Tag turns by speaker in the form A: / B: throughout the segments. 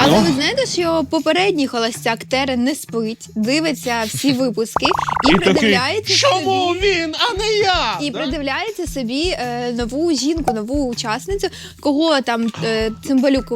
A: Але ви знаєте, що попередній холостяк Терен не спить, дивиться всі випуски і придивляється
B: чому
A: собі...
B: він, а не я?
A: І придивляється собі нову жінку, нову учасницю, кого там Цимбалюк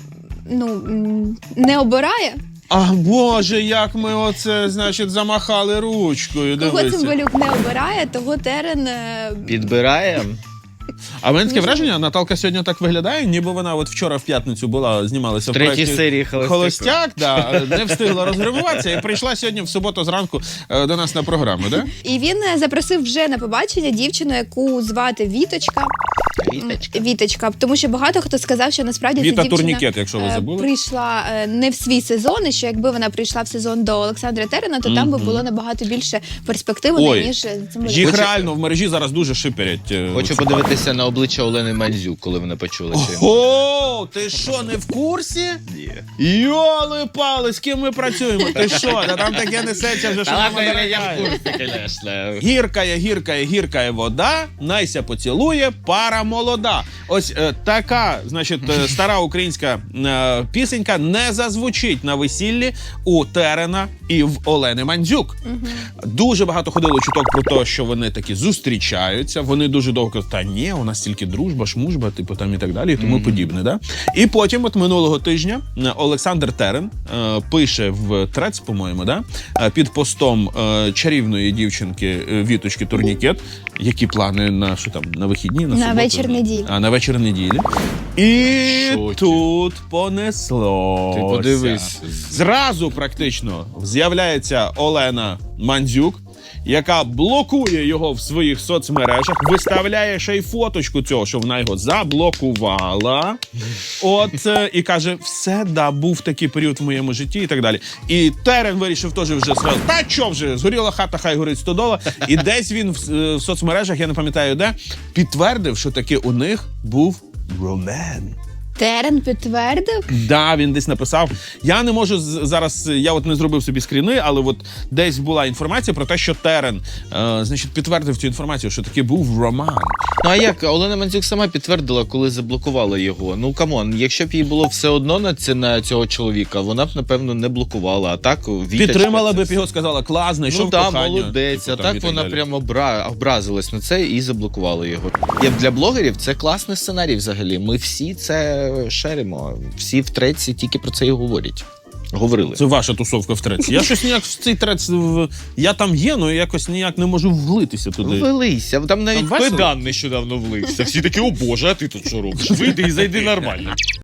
A: не обирає.
B: А Боже, як ми оце, значить, замахали ручкою,
A: Кого
B: дивися.
A: Цимбалюк не обирає, того Терен...
C: Підбираємо.
B: А в мене таке враження, Наталка сьогодні так виглядає, ніби вона от вчора в п'ятницю була, знімалася в
C: Третій
B: проєкті
C: серії
B: «Холостяк», да, не встигла розгримуватися і прийшла сьогодні в суботу зранку до нас на програму, да?
A: І він запросив вже на побачення дівчину, яку звати Віточка. Віточка, тому що багато хто сказав, що насправді ця
B: Віта
A: дівчина
B: Турнікет, якщо ви забули.
A: прийшла не в свій сезон, і що якби вона прийшла в сезон до Олександра Терена, то там би було набагато більше перспективи, ніж цим.
B: Їх реально в мережі зараз дуже шиперять.
C: Хочу подивитися на обличчя Олени Мандзюк, коли вона почула, що...
B: О, ти що, не в курсі?
C: Ні.
B: Йоли-пали, з ким ми працюємо? Ти що? Та там таке несеться вже, що мама дорогая. Гіркає вода, найся поцілує, пара молода. Ось така, значить, стара українська пісенька не зазвучить на весіллі у Терена і в Олени Мандзюк. Дуже багато ходило чуток про те, що вони таки зустрічаються, вони дуже довго кажуть, та ні, у нас тільки дружба, шмужба, типу там і так далі, і тому подібне. Да? І потім, от минулого тижня, Олександр Терен пише в трец, по-моєму, да? Під постом чарівної дівчинки Віточки Турнікет, які плани на, що там, на вихідні, на суботу?
A: вечір неділі.
B: На вечір неділі. І
C: Шокі.
B: тут понеслося.
C: Ти подивись.
B: Зразу практично з'являється Олена Мандзюк, яка блокує його в своїх соцмережах, виставляє ще й фоточку цього, що вона його заблокувала. От, і каже, все, да, був такий період в моєму житті і так далі. І Терен вирішив теж вже сказати, та що вже, згоріла хата, хай горить стодола. І десь він в соцмережах, я не пам'ятаю де, підтвердив, що таки у них був роман.
A: Терен підтвердив?
B: Да, він десь написав. Я не можу зараз, я от не зробив собі скріни, але от десь була інформація про те, що Терен, значить, підтвердив цю інформацію, що таки був роман.
C: Ну а як? Олена Мандзюк сама підтвердила, коли заблокувала його. Ну, камон, якщо б їй було все одно на цього чоловіка, вона б, напевно, не блокувала. А так, Віточка...
B: Підтримала б його, сказала, клас, знайшов кохання.
C: Молодець. А
B: Типу, там
C: так
B: і
C: вона
B: далі.
C: прямо образилась на це і заблокувала його. Для блогерів це класний сценарій взагалі. Ми всі це шеримо. Всі в треці тільки про це і говорять. Говорили.
B: Це ваша тусовка в треці. Я щось ніяк в цей трец... Я там є, але якось ніяк не можу влитися туди.
C: Влилися. Там навіть
B: весело?
C: Педан нещодавно влився. Всі такі, о боже, а ти тут що робиш? Вийди і зайди нормально.